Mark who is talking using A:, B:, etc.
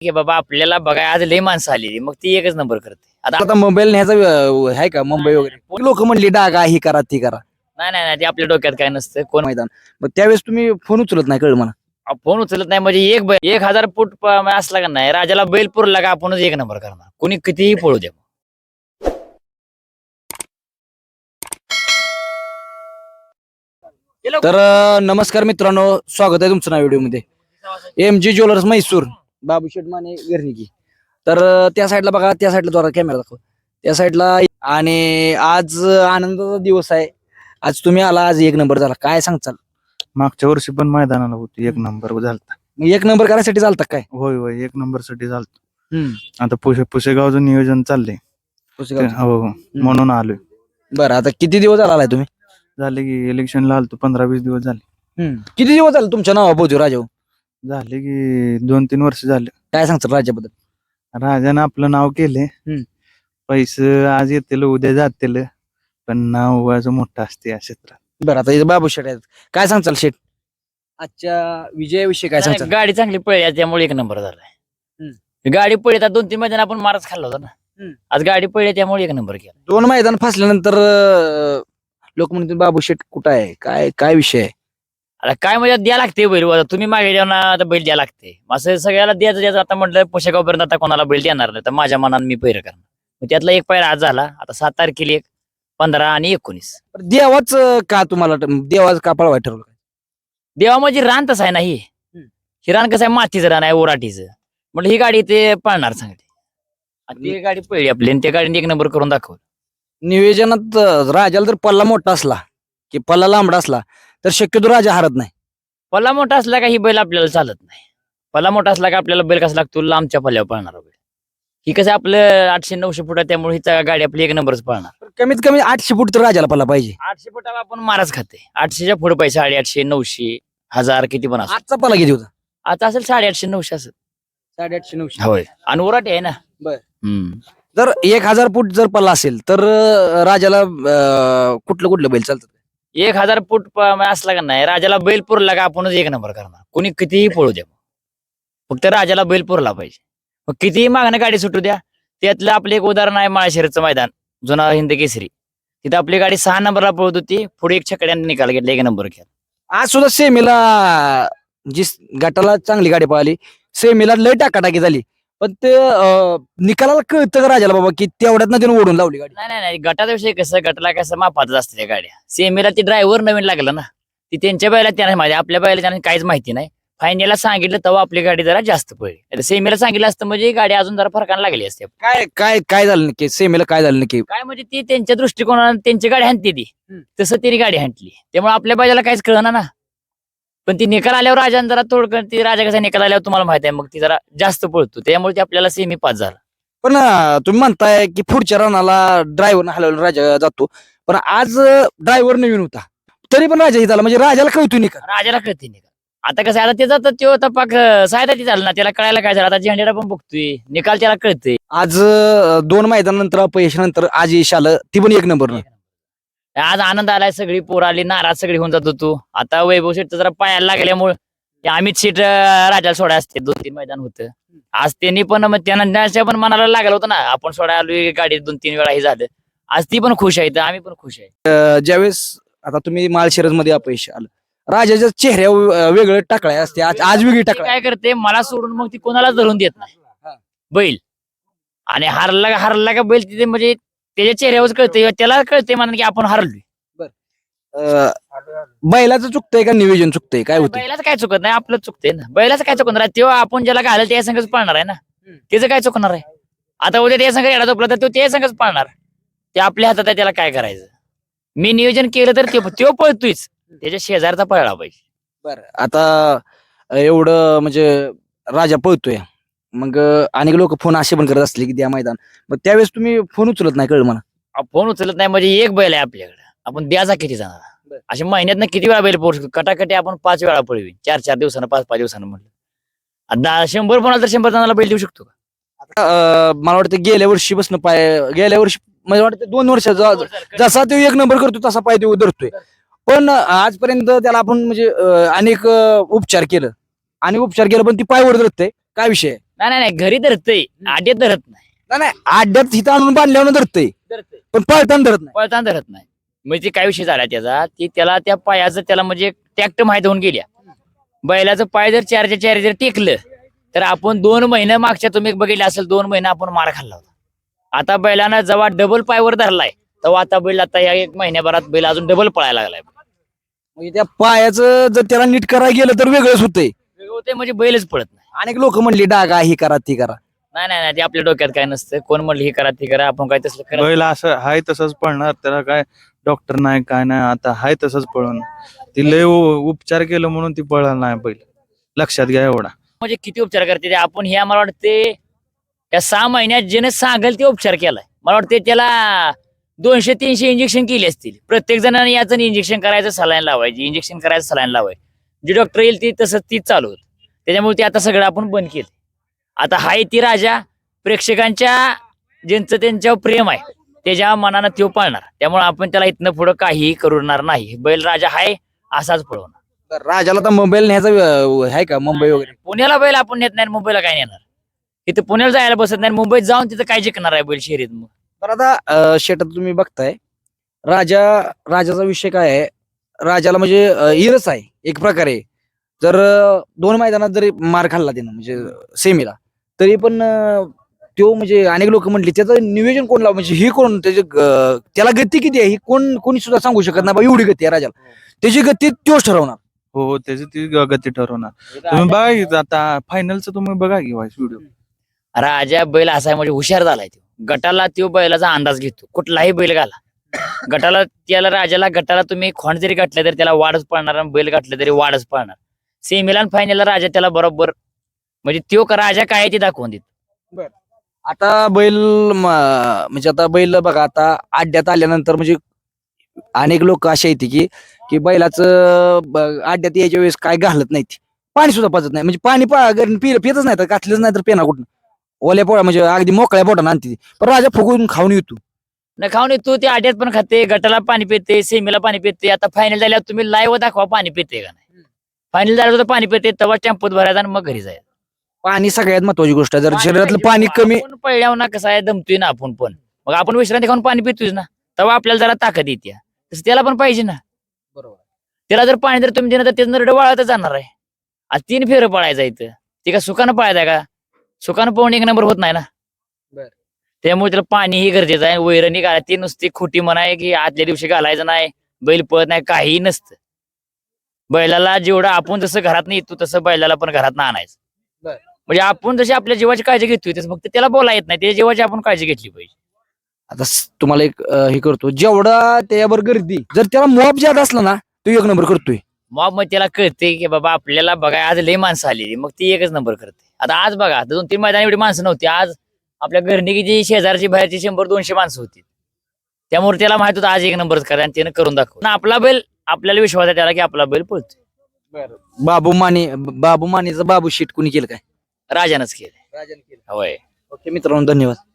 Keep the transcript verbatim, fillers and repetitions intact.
A: की बाबा आपल्याला बघा आज लय माणसं आलेली मग ती एकच नंबर करते. आता
B: आता मोबाईल न्यायचा अं, आहे का मुंबई वगैरे लोक म्हणली डागा ही करा ती करा
A: नाही नाही नाही ते आपल्या डोक्यात काय नसतं. कोण
B: मैदान. मग त्यावेळेस तुम्ही फोन उचलत नाही कळलं मला.
A: फोन उचलत नाही म्हणजे एक बैल एक हजार फूट प- असला का नाही राजाला बैल पुरला का आपणच एक नंबर करणार. कोणी कितीही पळू द्या.
B: तर अं, नमस्कार मित्रांनो, स्वागत आहे तुमचं नाव व्हिडिओ मध्ये. M G jewellers Mysore, Babu Sheth Mane गर्निकी. तर अं, त्या साईडला बघा, त्या साईडला जरा कॅमेरा दाखव, त्या साईडला. आणि आज आनंदाचा दिवस आहे. आज तुम्ही आला, आज एक नंबर झाला, काय सांगचाल?
C: मागच्या वर्षी पण मैदानाला होती, एक नंबर झालता.
B: मग एक नंबर करायसाठी चालतात काय?
C: होय होय, एक नंबर साठी झालत.
B: हम्म.
C: आता पुशे पुसेगावचं नियोजन चाललंय.
B: पुसेगावचं.
C: हो हो, म्हणून आलोय.
B: बरं, आता किती दिवस झाला आलाय तुम्ही?
C: झाले की इलेक्शनला आलतो, पंधरा वीस दिवस झाले.
B: किती दिवस झाले तुमच्या नावा पोहोचू राजाऊ?
C: झाले की दोन तीन वर्ष झाले.
B: काय सांगतात राजाबद्दल?
C: राजानं आपलं नाव केले.
B: हम्म.
C: पैसे आज येतील उद्या जातील, पण नाव उगाचं मोठं असते या क्षेत्रात.
B: बरं, आता इथं बाबू शेठ आहेत, काय सांगचाल शेठ आजच्या विजयाविषयी? काय
A: नाही,
B: सांगचाल?
A: गाडी चांगली पळली आज त्यामुळे एक नंबर झालाय. गाडी पळली आता दोन तीन मैदान आपण मारच खाल्ला होता ना.
B: हम्म.
A: आज गाडी पळली त्यामुळे एक नंबर केला.
B: दोन मैदान फसल्यानंतर अं, लोक म्हणतील बाबू शेठ कुठं आहे, काय काय विषय आहे?
A: आता काय म्हणजे द्या लागते बैल आता तुम्ही मागे द्या ना, आता बैल द्या लागते असं सगळ्याला द्यायचं द्यायचं. आता म्हटलं पोशाखापर्यंत आता कोणाला बैल देणार नाही तर माझ्या मनानं मी पैर करणार. मग त्यातला एक पैर आज झाला. आता सात तारखेला एक, पंधरा आणि एकोणीस.
B: बरं, देवाच अं, का तुम्हाला देवाच का पळवाय ठरवलं?
A: देवा म्हणजे रान तसं आहे ना ही
B: हम्म.
A: ही रान कसं आहे, मातीचं रान आहे, ओराटीचं. म्हटलं ही गाडी ते पळणार चांगली. आणि ती गाडी पळली आपली आणि त्या गाडीने एक नंबर करून दाखवलं.
B: नियोजनात अं, राजाला जर पल्ला मोठा असला की पल्ला लांबडा असला तर शक्यतो राजा हारत नाही.
A: पल्ला मोठा असला का ही बैल आपल्याला चालत नाही. पल्ला मोठा असला का आपल्याला बैल कसा लागतो, लांबच्या पल्ल्यावर पळणार बैल. ही कसं आपलं आठशे नऊशे फुट आहे त्यामुळे ही गाडी आपली एक नंबरच पळणार.
B: पण कमीत कमी आठशे फूट तर राजाला पल्ला पाहिजे.
A: आठशे फुटाला आपण माराच खाते. आठशेच्या पुढे पैसे साडे आठशे नऊशे हजार किती पण असो.
B: आजचा पल्ला किती होता?
A: आता असेल साडेआठशे नऊशे असेल.
B: साडेआठशे नऊशे.
A: होय, आणि ओराटे आहे ना.
B: बर.
A: हम्म.
B: जर एक हजार फूट जर पल्ला असेल तर अं, राजाला अं, कुठलं कुठलं बैल चालतं?
A: एक हजार फूट प- असला का नाही राजाला बैल पुरला का आपणच एक नंबर करणार. कोणी कितीही पळू द्या, फक्त राजाला बैल पुरला पाहिजे. मग कितीही मागणं गाडी सुटू द्या. त्यातलं आपलं एक उदाहरण आहे माळशिरसचं मैदान, जुना हिंद केसरी. तिथं आपली गाडी सहा नंबरला पळत होती, पुढे एक छकड्याने निकाल घेतला, एक नंबर केला.
B: आज सुद्धा सेमीला जी गटाला चांगली गाडी पळाली, सेमीला लय टाकाटाकी झाली, पण ते अं, निकालाला कळतं का राजाला बाबा की तेवढ्यात ना त्यानं ओढून लावली गाडी?
A: नाही नाही नाही गटाचा विषय कसं, गटाला कसं मापातच असते त्या गाड्या. सेमीला ती ड्रायव्हर नवीन लागला ना, ती त्यांच्या बैला त्यांना माहिती, आपल्या बैला त्यांना काहीच माहिती नाही. फायनलला सांगितलं तेव्हा आपली गाडी जरा जास्त पडली. सेमीला सांगितलं असतं म्हणजे ही गाडी अजून जरा फरकाने लागली असते.
B: काय काय काय झालं नक्की सेमीला, काय झालं नक्की?
A: काय म्हणजे ती त्यांच्या दृष्टिकोनाने त्यांची गाडी हाणते ती, तसं तिने गाडी हाणली त्यामुळे आपल्या बाजाला काहीच कळणार ना. पण ती निकाल आल्यावर राजाने जरा थोडं, ती राजा कसा निकाल आल्यावर तुम्हाला माहिती आहे, मग ती जरा जास्त पळतो त्यामुळे ती आपल्याला सेमी पास झाला.
B: पण अं, तुम्ही म्हणताय की पुढच्या रनाला ड्रायव्हर हलवून राजा जातो, पण आज ड्रायव्हर नवीन होता तरी पण राजा झाला, म्हणजे राजाला कळतो निकाल.
A: राजाला कळते निकाल. आता कसं आहे, आता त्याचा तर तो तपाक सायदा ती झाला ना, त्याला कळायला काय झालं, आता झेंडेला पण बघतोय निकाल, त्याला कळतंय.
B: आज अं, दोन मैदानानंतर अपयश नंतर आज यश आलं, ती पण एक नंबर.
A: आज आनंद आलाय, सगळी पोर आली, नाराज सगळी होऊन जात होतो. आता वैभव शेठ जरा पायाला लागल्यामुळे ते अमित शेठ अं, राजाला सोडा असते, दोन तीन मैदान होतं. आज त्यांनी पण मग त्यांना पण मनाला लागलं होतं ना, आपण सोडा आलोय गाडी दोन तीन वेळा हे झालं. आज ती पण खुश आहे, तर आम्ही पण खुश आहे.
B: अं, ज्यावेळेस आता तुम्ही माळशिरस मध्ये अपयश आलं, राजाच्या चेहऱ्यावर वेगळं टाकलाय असते, आज आज वेगळी
A: ती
B: टाकलाय.
A: काय करते, मला सोडून मग ती कोणाला धरून देत नाही बैल. आणि हारला हारला का बैल तिथे म्हणजे त्याच्या चेहऱ्यावर कळते, त्याला कळते म्हणून की आपण हरलोय.
B: अं, बैलाचं चुकतंय का नियोजन चुकतंय, काय होतं?
A: बैलाचं काय चुकत नाही, आपलं चुकतंय ना. बैलाचं काय चुकणार आहे, तेव्हा आपण ज्याला घालेल त्या संघच पाळणार आहे ना. त्याचं काय चुकणार आहे? आता उद्या त्या संघ येणार झोपला तर तो त्या संघच पाळणार. ते आपल्या हातात आहे, त्याला काय करायचं. मी नियोजन केलं तर तो पळतोयच, त्याच्या शेजारचा पळला पाहिजे.
B: बरं, आता एवढं म्हणजे राजा पळतोय, मग अनेक लोक फोन असे पण करत असले की द्या मैदान, मग त्यावेळेस तुम्ही फोन उचलत नाही कळलं मला.
A: फोन उचलत नाही म्हणजे एक बैल आहे आपल्याकडे, आपण द्याचा किती जाणार. अशा महिन्यात किती वेळा बैल पोहोचतो, कटाकटी आपण पाच वेळा पळवी, चार चार दिवसानं पाच पाच दिवसानं म्हणलं. आता शंभर कोणाला तर शंभर जणांना बैल देऊ शकतो का?
B: आता, अं, मला वाटतं गेल्या वर्षी बसणं पाय, गेल्या वर्षी मला वाटतं दोन वर्षाचा जसा तो एक नंबर करतो तसा पाय तो धरतोय, पण आजपर्यंत त्याला आपण म्हणजे अं, अनेक अं, उपचार केलं आणि उपचार केलं पण ती पायवर धरतंय. काय विषय आहे?
A: नाही नाही नाही घरी धरतय आड्यात धरत नाही
B: नाही नाही आड्यात हिथं आणून बांधल्यावर धरतंय
A: धरतय
B: पण पळताना धरत नाही.
A: पळताना धरत नाही. म्हणजे काय विषय झाला त्याचा की त्याला त्या पायाचं त्याला म्हणजे टॅक्ट माहित होऊन गेल्या. बैलाचं पाय जर चारच्या चार जर टेकलं तर आपण दोन महिने मागच्या तुम्ही बघितलं असेल दोन महिने आपण मार खाल्ला होता. आता बैलानं जेव्हा डबल पायवर धरलाय तेव्हा आता बैल आता या एक महिन्याभरात बैल अजून डबल पळायला लागलाय.
B: म्हणजे त्या पायाचं जर त्याला नीट करायला गेलं तर वेगळंच होतंय.
A: वेगळं होतंय म्हणजे बैलच पळत नाही.
B: अनेक लोक म्हणली डागा ही करा ती करा.
A: नाही नाही नाही ते आपल्या डोक्यात काय नसतं. कोण म्हणलं हे करा ते करा आपण काय तसलं करत
C: बैल असं हाय तसंच पळणार, त्याला काय डॉक्टर नाही काय नाही, आता हाय तसंच पळून ती लय उ- उपचार केलं म्हणून ती पळणार नाही बैल. लक्षात घ्या एवढा.
A: म्हणजे किती उपचार करते ते आपण हे मला वाटते या सहा महिन्यात ज्याने सांगेल ते उपचार केलाय. मला वाटते त्याला दोनशे तीनशे इंजेक्शन केली असतील. प्रत्येक जणांनी याचं इंजेक्शन करायचं सलाईन लावायची इंजेक्शन करायचं सलाईन लावायची. जे डॉक्टर येईल ती तसं तीच चालू होत. त्याच्यामुळे ते आता सगळं आपण बंद केलं. आता हाय ती राजा प्रेक्षकांच्या ज्यांचं त्यांच्यावर प्रेम आहे त्याच्या मनानं तो पाळणार. त्यामुळे आपण त्याला इथनं पुढं काहीही करणार नाही. बैल राजा हाय असाच पळवणार.
B: तर राजाला तर मुंबईला न्यायचा अं, आहे का मुंबई वगैरे?
A: पुण्याला बैल आपण नेत नाही मुंबईला काय नेणार. इथं पुण्याला जायला बसत नाही मुंबईत जाऊन तिथं काय जिंकणार आहे बैल शर्यत. मग
B: तर आता अं, शेतात तुम्ही बघताय राजा राजाचा विषय काय आहे. राजाला म्हणजे अं, इरस आहे एक प्रकारे. जर अं, दोन मैदानात जरी मार खाल्ला त्यानं म्हणजे सेमीला तरी पण अं, तो म्हणजे अनेक लोक म्हटले त्याचं नियोजन कोण लाव म्हणजे ही कोण त्याचे अं, त्याला गती किती आहे ही कोण कोणी सुद्धा सांगू शकत नाही बा एवढी गती आहे राजाला. त्याची गती तोच ठरवणार.
C: हो हो त्याची ती ग- गती ठरवणार. तुम्ही बघा की आता फायनलचं तुम्ही बघा की व्हिडिओ.
A: राजा बैल असा आहे म्हणजे हुशार झालाय तो. गटाला तो बैलाचा अंदाज घेतो कुठलाही बैल घाला. गटाला त्याला राजाला गटाला तुम्ही खोंड जरी गाठले तरी त्याला वाढच पडणार आणि बैल गाठले तरी वाढच पडणार. सेमीला आणि फायनलला राजा त्याला बरोबर म्हणजे तो का राजा काय आहे ते दाखवून देतो.
B: आता बैल म- म्हणजे आता बैल बघा आता आड्यात आल्यानंतर म्हणजे अनेक लोक असे येते की की बैलाचं ब- आड्यात यायच्या वेळेस काय घालत नाहीत पाणी सुद्धा पाजत नाही म्हणजे पाणी पा- घरी पि- पितच नाही तर घातलंच नाही तर पेना कुठं ओल्या पोळ्या म्हणजे अगदी मोकळ्या पोटानं आणते ती. पण राजा फुगून खाऊन येतो.
A: न खाऊन तू ते आड्यात पण खाते गटाला पाणी पिते सेमीला पाणी पिते. आता फायनल झाल्यावर तुम्ही लाईव्ह दाखवा पाणी पिते का नाही. फायनल झाल्यावर तर पाणी पिते तेव्हा टेम्पोत भरायचा आणि मग घरी जायचं.
B: पाणी सगळ्यात महत्वाची गोष्ट आहे. जर शरीरातलं पाणी कमी
A: आपण पहिल्यावर ना कसं आहे दमतोय ना आपण पण मग आपण विश्रांती खाऊन पाणी पितोय ना तेव्हा आपल्याला जरा ताकद येते. तसं त्याला पण पाहिजे ना.
B: बरोबर
A: त्याला जर पाणी जर तुम्ही दिलं तर त्याचं नरड वाळतच जाणार आहे. आज तीन फेरं पळायचं इथं ते का सुखानं पळायचं का सुखानं पळून एक नंबर होत नाही ना.
B: बर.
A: त्यामुळे त्याला पाणीही गरजेचं आहे. वैरणी घाला ती नुसती खोटी म्हणाय की आदल्या दिवशी घालायचं नाही बैल पळत नाही काहीही नसतं. बैलाला जेवढं आपण जसं घरात नाही येतो तसं बैलाला पण घरात आणायचं.
B: बर.
A: म्हणजे आपण जशी आपल्या जीवाची काळजी घेतोय तसं फक्त त्याला बोला येत नाही त्याच्या जीवाची आपण काळजी घेतली पाहिजे.
B: आता स- तुम्हाला एक अं, हे करतो जेवढा त्याच्यावर गर्दी जर त्याला मॉब ज्यादा असला ना तो एक नंबर करतोय.
A: मग मग त्याला कळते की बाबा आपल्याला बघा आज लय माणसं आलेली मग ती एकच नंबर करते. आता आज बघा आता दोन तीन मैदान एवढी माणसं नव्हती. आज आपल्या घरनिकीची शेजारची बाहेरची शंभर दोनशे माणसं होती. त्यामुळे त्याला माहित होतं आज एक नंबरच करा आणि त्यानं करून दाखव. आपला बैल आपल्याला विश्वास आहे त्याला की आपला बैल पळतोय.
B: बाबू माने बाबू मानेचं बाबू शीट कुणी केलं काय?
A: राजानंच केलं. होय.
B: ओके मित्रांनो धन्यवाद.